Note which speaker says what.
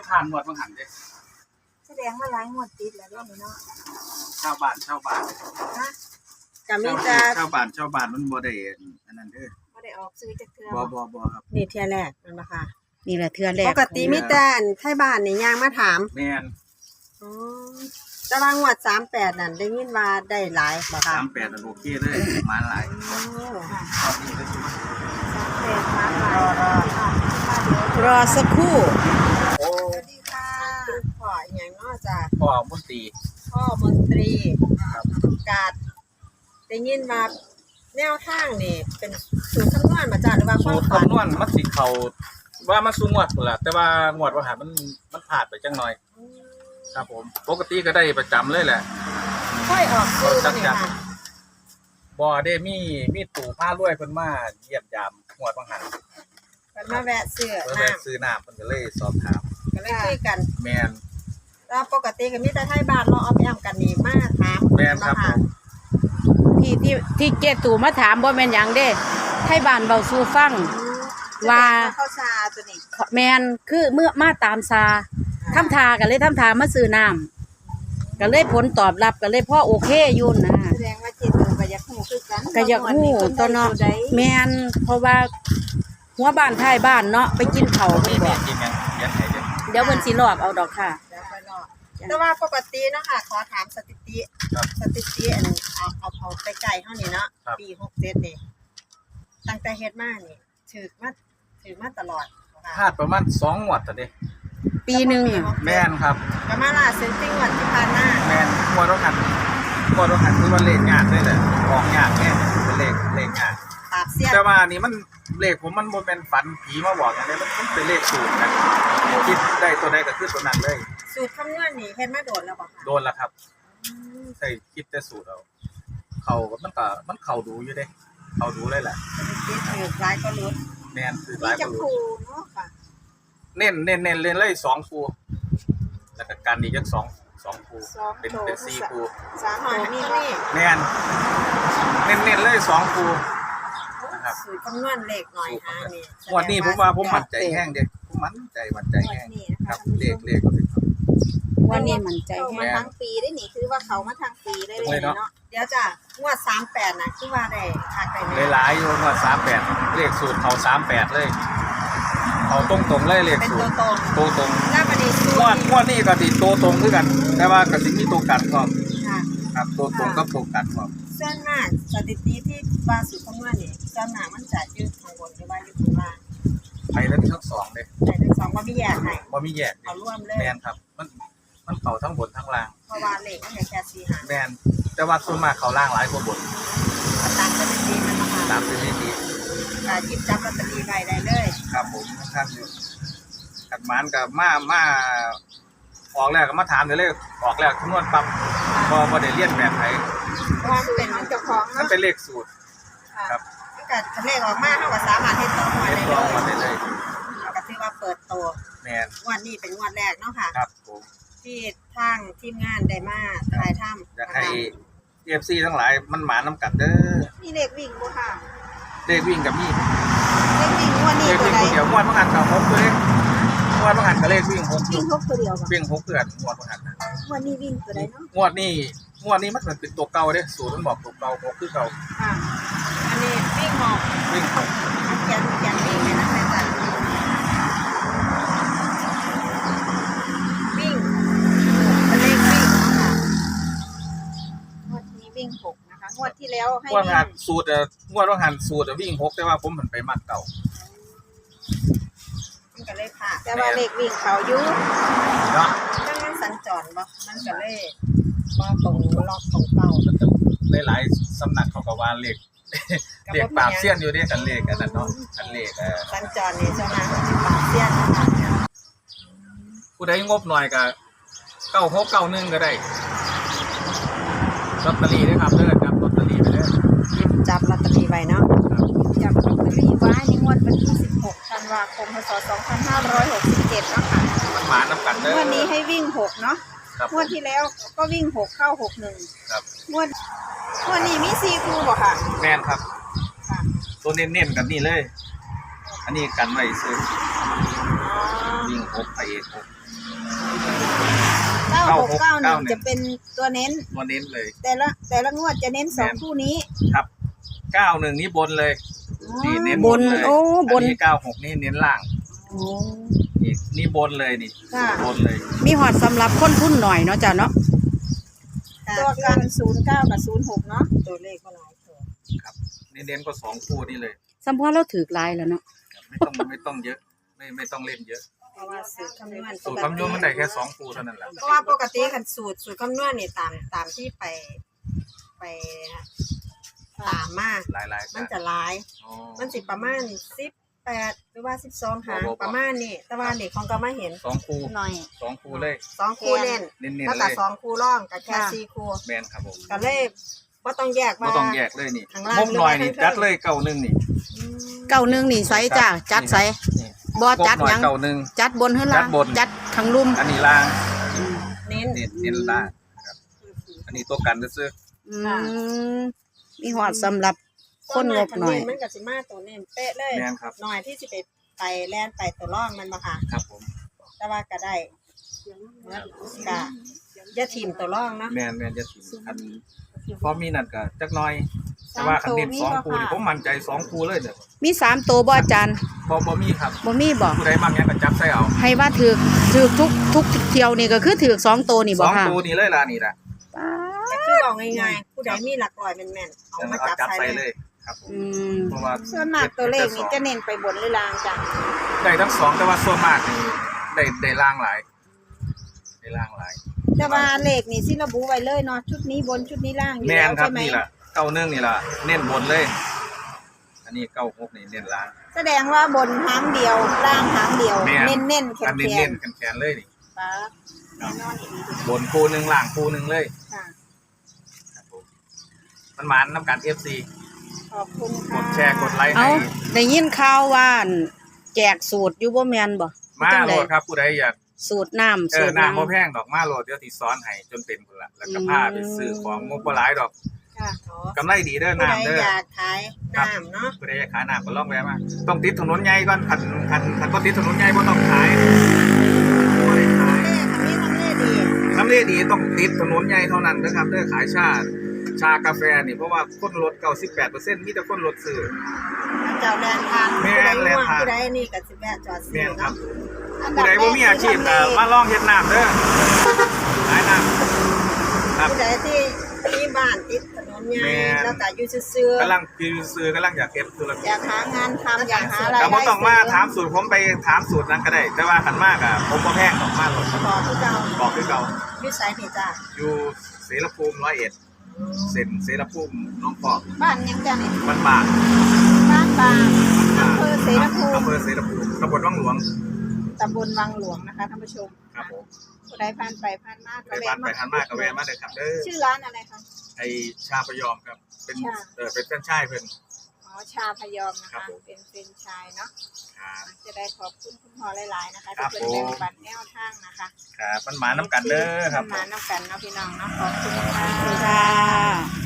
Speaker 1: ผ่านงวดบางหันเด้
Speaker 2: แสดงว่าหลายงวดติดแล้วเนาะ
Speaker 1: ชาวบ้าน
Speaker 2: ฮะก็มีแต่
Speaker 1: ชาวบ้านมันบ่ได้อันนั้นเด้อ
Speaker 2: บ่ได้ออกซื้อจักเทื่อ
Speaker 1: บ่ครับ
Speaker 2: นี่เทื่อแรกนั่นบ่ค่ะ
Speaker 3: นี่แหละเทื่อแรก
Speaker 2: ปกติมีแต่ไทบ้านนี่ย่างมาถาม
Speaker 1: แม่น
Speaker 2: อ๋อแต่ว่างวด38นั่นได้ยินว่าได้หลายบ่ค่ะ
Speaker 1: 38นั่นโอเคเลยมาหลาย
Speaker 2: โอ้ค่ะ
Speaker 1: ตอนนี้ก็สิ
Speaker 2: 38มาหลาย
Speaker 3: รอสักครู่
Speaker 1: โอ้
Speaker 2: สวัสดีค่ะพ่อหยังเนาะจ้ะ
Speaker 1: พ่อมนตรี
Speaker 2: พ่อมนตรีครับกาดได้ยินว่าแนวทางนี่เป็นสูตรคำนวณมาจ้ะหรือว่า
Speaker 1: สูตรคำนวณมันสิเข้าว่ามันสูงวดพุ่นล่ะแต่ว่างวดว่าหามันพลาดไปจังหน่อยครับผมปกติก็ได้ประจำเลยแหละ
Speaker 2: ค่อยออกซื้อนี่ค่ะ
Speaker 1: บ่ได้มีตู่ผ้ารวยเพิ่นมาเยี่ยมยามงวดบางหัน
Speaker 2: เพิ่นมาแวะซื้อ
Speaker 1: น้ำเพิ่นก็เลยสอบถาม
Speaker 2: ก็เลยคุยกัน
Speaker 1: แม่น
Speaker 2: แล้วปกติก็มีแต่ไทบ้านเนาะเอาไปอ้ำกันนี่มาถาม
Speaker 1: แม่นครับ
Speaker 3: ที่เจตู่มาถามบ่แม่นหยังเด้ไทบ้านเว้าสู่ฟังว่า
Speaker 2: เข้าชาตัวนี้
Speaker 3: แม่นคือเมื่อมาตามซาทำทาก็เลยทำทามาซื้อน้ำก็เลยผลตอบรับก็เลยพ่อโอเคอยู่นะ
Speaker 2: แสดงว่าเจตู่ก็อยากฮู้คือกัน
Speaker 3: ก็อยากฮู้ตัวเนาะแม่นเพราะว่าหัวบ้านท้ายบ้านเนาะไปกินข้าว
Speaker 1: นี่บ่กินหยัง
Speaker 3: เดี๋ยวเพิ่นสิลอกเอาดอกค่ะ
Speaker 2: แต่ว่าปกติเนาะค่ะขอถามสถิติอันเอาไปไกลเฮานี่เนาะปี67นี่ตั้งแต่เฮ็ดมานี่ถือมาตลอด
Speaker 1: พลาดประมาณ2งวดตะเด้
Speaker 3: ปีนึง
Speaker 1: แม่นครับ
Speaker 2: ก็มาล่าสุดที่งวดที่ผ่านมา
Speaker 1: แม่นงวดต้องหันคือว่าเลขงานด้วยแหละออกงานแน่เป็นเลขงาน
Speaker 2: ปราบเสี้ยน
Speaker 1: แต่ว่านี่มันเลขผมมันบ่เป็นฝันผีมาบอกอย่างนี้มันเป็นเลขสูตรนะคิดได้ตัวใดก็คือตัวนั้นเลย
Speaker 2: สูตรคำนวณนี่เฮ็ดมาโดนแล้วบ่คะ
Speaker 1: โดนแล้วครับใช่คิดแต่สูตรเอาเขามันเข้าดูอยู่เด้เข้าดูเลยแหละ
Speaker 2: คิดถือหลายก็รู้
Speaker 1: แม่นคือหลายก็รู้
Speaker 2: เนาะค่ะ
Speaker 1: เน้นเล่นเลย2คู่แล้วก็กันอีกจัก2คู่เป็น4คู่
Speaker 2: 3หอยมี
Speaker 1: แม่นเน้นเลย2คู่นะครับ
Speaker 2: สูตรคำนวณเลขหน่อยฮะนี่
Speaker 1: งวดนี้ผมว่าผมมั่นใจแห้งเด้ผมมั่นใจแห้งครับเลข
Speaker 3: วันนี้มั่นใจ
Speaker 2: แห้งทั้งปีได้นี่คือว่าเขามาทั้งปีได้เลยเนาะเดี๋ยวจ้ะงวด38น่ะคือว่าได้คักได้
Speaker 1: หลายอยู่งวด38เลขสูตรเขา38เลยเขาตรงเลยเลขสูตรตัวตรง
Speaker 2: แล้วบัดนี้
Speaker 1: งวดนี้ก็สิตัวตรงคือกันแต่ว่าก็สิมีตัวกันพร้อมครับตัวตรงกับตัวกันพร้อม
Speaker 2: ส่วนมากสถิติที่ว่าสูตรคำนวณนี่ส่วนมากมันจะอยู่ข้างบนหรือว่าอยู่ข้างล่าง
Speaker 1: ไปแล้วทั้ง2เด้
Speaker 2: ไปทั้ง2บ่มีแยกให้
Speaker 1: บ่มีแยก
Speaker 2: เอารวมเลย
Speaker 1: แม่นครับมันเข้าทั้งบนทั้งล่าง
Speaker 2: เพราะว่าเลขมันแค่4หาง
Speaker 1: แม่นแต่ว่าส่วนมากเข้าล่างหลายกว่าบน
Speaker 2: ตามสถิติมันนะคะ
Speaker 1: ตามสถิติ
Speaker 2: ก็หยิบจับลอตเตอรี่ไว้ได้เลย
Speaker 1: ครับผมท่านอยู่ขัดหมานกับมาออกแล้วก็มาถามเลยออกแล้วคำนวณปั๊บบ่ได้เรียนแบบไหน
Speaker 2: เพราะมันเป็นของเจ้าของ
Speaker 1: มันเป็นเลขสูตรครับ
Speaker 2: ก็เลขออกมาเฮาก็สามารถเฮ็ดต่อ
Speaker 1: ได้เลย
Speaker 2: ก็ถือว่าเปิดตัว
Speaker 1: แม่น
Speaker 2: งวดนี้เป็นงวดแรกเนาะค่ะ
Speaker 1: ครับผม
Speaker 2: ที่ทางทีมงานได้มาถ่ายทำ
Speaker 1: อยากให้ FC ทั้งหลายมันหมานำกันเด้อ
Speaker 2: มีเลขวิ่งบ่ค่ะ
Speaker 1: เลขวิ่งกับมี
Speaker 2: เลขวิ่งงวดนี้ตัวใด
Speaker 1: เดี๋ยวงวดบ่หันกับ6ตัวเลขงวดบ่หันกับเลขวิ่ง6
Speaker 2: วิ่ง6ตัวเดียวบ่
Speaker 1: วิ่ง6เดือนงวดบ่หัน
Speaker 2: งวดนี้วิ่งตัวใดเนาะ
Speaker 1: งวดนี้มันเป็นตัวเก่าเด้สูตรมันบอกตัวเก่า6คือเก่า
Speaker 2: อันนี้วิ่ง6
Speaker 1: วิ่ง6
Speaker 2: เขียนวิ่งให้นะจ๊ะวิ่งเป็นเลขวิ่งค่ะงวดนี้วิ่ง6นะคะงวดที่แล้วให้วิ่ง
Speaker 1: สูตรงวดว่าหันสูตรวิ่ง6แต่ว่าผมหันไปมัดเก่า
Speaker 2: มันก็เลยผ่าแต่ว่าเลขวิ่งเขาอยู่
Speaker 1: เนาะ
Speaker 2: มันสัญจรบ่มันก็เลยบ่ตรงล็อกของเก่า
Speaker 1: หลายๆสำนักเขาก็ว่าเลขปราบเสี้ยนอยู่นี่กันเลขกันนั่นเนาะกันเลข
Speaker 2: สัญจรนี่เจ้านะปราบเสี้ยนนะคะ
Speaker 1: ผู้ใดงบหน่อยก็9691ก็ได้ลอตเตอรี่นะครับเด้อจับลอตเตอรี่ไปเด้อ
Speaker 2: จับลอตเตอรี่ไว้เนาะจับลอตเตอรี่ไว้ในงวดวันที่16ธันวาคมพ.ศ. 2567เนาะค่ะ
Speaker 1: มันหมานำกันเด้อ
Speaker 2: วันนี้ให้วิ่ง6เนาะงวดที่แล้วก็วิ่ง6เข้า61
Speaker 1: ครับ
Speaker 2: งวดนี้มี4คู่บ่ค่ะ
Speaker 1: แม่นครับตัวเน้นๆกันนี่เลยอันนี้กันไว้ซื้อวิ่ง6ไป6
Speaker 2: 9691จะเป็นตัวเน้น
Speaker 1: ตัวเน้นเลย
Speaker 2: แต่ละงวดจะเน้นสองคู่นี้
Speaker 1: ครับ91นี้บนเลยนี่เน้น
Speaker 3: บน
Speaker 1: เลย
Speaker 3: โอ้บน
Speaker 1: อันนี้96นี่เน้นล่าง
Speaker 3: โอ้
Speaker 1: นี่บนเลยนี่
Speaker 2: ค่ะ
Speaker 1: บนเลย
Speaker 3: มีหอดสำหรับคนทุนหน่อยเนาะจ้ะเนาะ
Speaker 2: ตัวกัน09กับ06เนาะตัวเลขก็หลายตัว
Speaker 1: ครับนี่เน้นก็2คู่นี่เลย
Speaker 3: สัมพอเราถือลายแล้วเนาะ
Speaker 1: ไม่ต้องเยอะไม่ต้องเล่นเยอะ
Speaker 2: เพราะว่าสูตรคำนวณ
Speaker 1: สูตรคำนวณมันได้แค่2คู่เท่านั้นแหละ
Speaker 2: เพราะว่าปกติคันสูตรคำนวณนี่ตามที่ไปตามมา
Speaker 1: หลายๆ
Speaker 2: มันจะหลาย
Speaker 1: อ๋อ
Speaker 2: มันสิประมาณ18หรือว่า12หางประมาณนี้แต่ว่านี่ของก็มาเห็น
Speaker 1: 2คู่
Speaker 2: หน่อย
Speaker 1: 2คู่เลย
Speaker 2: 2คู่เน้น
Speaker 1: เน้น
Speaker 2: แล้ว
Speaker 1: ๆเล
Speaker 2: ก็
Speaker 1: ย
Speaker 2: 2คู่ร่องกับแค่4คู่
Speaker 1: แมนครับผม
Speaker 2: ก็เลยบ่ต้องแยก
Speaker 1: ไม่
Speaker 2: ว่า
Speaker 1: ต้องแยกเลยนี่
Speaker 2: ข้างล่าง
Speaker 1: งบหน่อยนี่
Speaker 2: หรือว่าข้าง
Speaker 1: จัดเลย91นี่
Speaker 2: อืม
Speaker 3: 91นี่ไสจ้ะจัดไส
Speaker 1: นี่
Speaker 3: บ่จัด
Speaker 1: งบหน่
Speaker 3: หยัง
Speaker 1: 91
Speaker 3: จัดบนขึ้นล่าง
Speaker 1: จัดบน
Speaker 3: จัดข้างลุ่ม
Speaker 1: อันนี้ล่าง
Speaker 2: เน้น
Speaker 1: เน้นล่างครับอันนี้ตัวกันซื้อ
Speaker 3: อืมมีหอดสำหรับคนงบหน่อย
Speaker 2: มันก็สิมาตัวเน้นเป๊ะเลย
Speaker 1: แมนครับ
Speaker 2: หน่อยที่สิไปแล่นไปตัวร่องมันบ่ค่ะ
Speaker 1: ครับผม
Speaker 2: แต่ว่าก็ได้ก็อย่าทิ่มตัวร่องเนาะ
Speaker 1: แมนจะถึงอันพอมีนั่นก็จักหน่อย แต่ว่าคันเน้น2คู่นี่ผมมั่นใจ2คู่เลยเด้อ
Speaker 3: มี3ตัวบ่อาจารย์
Speaker 1: บ่มีครับ
Speaker 3: บ่มีบ่
Speaker 1: ผู้ใดมักหยังก็จับใส่เอา
Speaker 3: ให้ว่าถือทุกเที่ยวนี่ก็คือถือ2ตัวนี่บ่ค่ะ
Speaker 1: 2ตัวนี้เลยล่ะนี่ล่ะ
Speaker 2: แต่คือบอกง่ายๆผู้ใดมีหลักร้อยแม่นๆเอามาจับ
Speaker 1: จับ
Speaker 2: ใส่
Speaker 1: ใส่
Speaker 2: เล
Speaker 1: เลย ยครับผม
Speaker 3: อืม
Speaker 1: เพราะว่า
Speaker 2: ส่วนมากตัวเลขนี่จะเน้นไปบนหรือล่างจ้ะ
Speaker 1: ได้ทั้ง2แต่ว่าส่วนมากนี่ได้ล่างหลายได้ล่างหลาย
Speaker 2: แต่ว่าเลขนี่สิระบุไว้เลยเนาะชุดนี้บนชุดนี้ล่างอยู่
Speaker 1: แม่
Speaker 2: แล้
Speaker 1: น
Speaker 2: ว
Speaker 1: ครับ
Speaker 2: ใช่ไหม
Speaker 1: นี่ล่ะ91นี่ล่ะเน้นบนเลย อันนี้96นี่เน้นล่าง
Speaker 2: แสดงว่าบนหางเดียวล่างหางเดียว
Speaker 1: แม่น
Speaker 2: เน้นๆแข็
Speaker 1: อัน
Speaker 2: ง
Speaker 1: เน้นๆแขนๆเลยนี่
Speaker 2: ๆป๊าบแน่นอนอีก
Speaker 1: บนคู่หนึงล่างคู่หนึงเลย
Speaker 2: ค่ะ
Speaker 1: ครับผมมันหมานน้ำกัน FC
Speaker 2: ขอบคุณ
Speaker 1: ก
Speaker 2: ค่ะ
Speaker 1: ดแชร์กดไลค์
Speaker 3: เอา
Speaker 1: ให้
Speaker 3: ได้ยินข่าวว่าอั่นแจกสูตรอยู่บ่แม่นบ่
Speaker 1: มา
Speaker 3: จัง
Speaker 1: โหล
Speaker 3: ใด
Speaker 1: ดครับผู้ใดอยาก
Speaker 3: สูตรน้ำสูตร
Speaker 1: น้ำบ่แพงดอกมาโหลดเดี๋ยวสิสอนให้จนเป็นพุ่นละแล้วก็พาไปซื้อของบ่หลายดอก
Speaker 2: ค่ะขอก
Speaker 1: ำไรดีเด้อ
Speaker 2: ผู้ใด
Speaker 1: น้ำเด้อ
Speaker 2: อยากขายน้ำเนาะ
Speaker 1: ผู้ใดอยากขายน้ำก็ลองแวะมาต้องติดถนนใหญ่ก่อนคันบ่ติดถนนใหญ่บ่ต้องขายบ่ได้ขาย
Speaker 2: เลขอันนี้ทำเลขดี
Speaker 1: น้ำเลดีต้องติดถนนใหญ่เท่านั้นนะครับเด้อขายชากาแฟนี่เพราะว่าคนลด 98% มีแต่คนลดซื้อ
Speaker 2: เจ้าแลนทาน
Speaker 1: แม่
Speaker 2: ผู้ใด
Speaker 1: แล่น
Speaker 2: ง่วง
Speaker 1: ทาน
Speaker 2: ผู้ใดนี่ก็สิแวะจอดซื้
Speaker 1: แม่
Speaker 2: อน
Speaker 1: ครั
Speaker 2: เนาะ
Speaker 1: บ
Speaker 2: อัน
Speaker 1: ผู้
Speaker 2: ดับ
Speaker 1: ใด
Speaker 2: แร
Speaker 1: บ่
Speaker 2: ก
Speaker 1: มีอาชีพก็มาลองเฮ็ดน้ำเด้อขายน้ำครับ
Speaker 2: ผู้ใดที่มีบ้านติดถนนใหญ่
Speaker 1: แม่น
Speaker 2: แล้วก็อยู่ซื่อก
Speaker 1: ำลังคือซื้อกำลังอยากเฮ็ดธุร
Speaker 2: ๆ
Speaker 1: กิ
Speaker 2: อ
Speaker 1: จ
Speaker 2: ยากหางานทำอยากหาราย
Speaker 1: ก็
Speaker 2: ได้
Speaker 1: บ่ต้องมาถามสูตรผมไปถามสูตรนั้นก็ได้ แต่ว่าคันมากอ่ะผมบ่แพงดอกมาหรอก
Speaker 2: ต่อผู้เจ้า
Speaker 1: บอกคือเก่า
Speaker 2: อยู่ไสนี่จ้า
Speaker 1: อยู่เสรภูมิ101เส้นเสรภูมิหน้องพอก
Speaker 2: บ้านยังจ้านี่
Speaker 1: บ้านบาง
Speaker 2: บ้านบางอำเภอเสรภูมิ
Speaker 1: อำเภอเสรภูมิตำบลวังหลวง
Speaker 2: ตำบลวังหลวงนะคะท่านผู้ชม
Speaker 1: ครับผม
Speaker 2: ผู้ใดผ่านไปผ่านมา
Speaker 1: ไปบ้านไปทานมากก็แวะมาเด้อครับเด้อ
Speaker 2: ชื่อร้านอะไรคะ
Speaker 1: ไอ้ชาพยอมครับเป็น
Speaker 2: ชา
Speaker 1: เป็นแฟรนไชส์เพิ่น
Speaker 2: อ๋อชาพยอมนะ
Speaker 1: ครั
Speaker 2: คะ
Speaker 1: บผม
Speaker 2: เป็นเฟรนไชส์เนาะ
Speaker 1: ครับ
Speaker 2: จะได้ขอบคุณคุณพ่อหลายๆนะคะ
Speaker 1: ครั
Speaker 2: ที่
Speaker 1: บ
Speaker 2: เป็น
Speaker 1: ผม
Speaker 2: แบ่งปันแนวทางนะคะ
Speaker 1: ครับมันหมาน้ำกันเด้อครับ
Speaker 2: มาน้ำกันเนาะพี่น้องเนาะขอบคุณค่ะ
Speaker 3: ค่ะ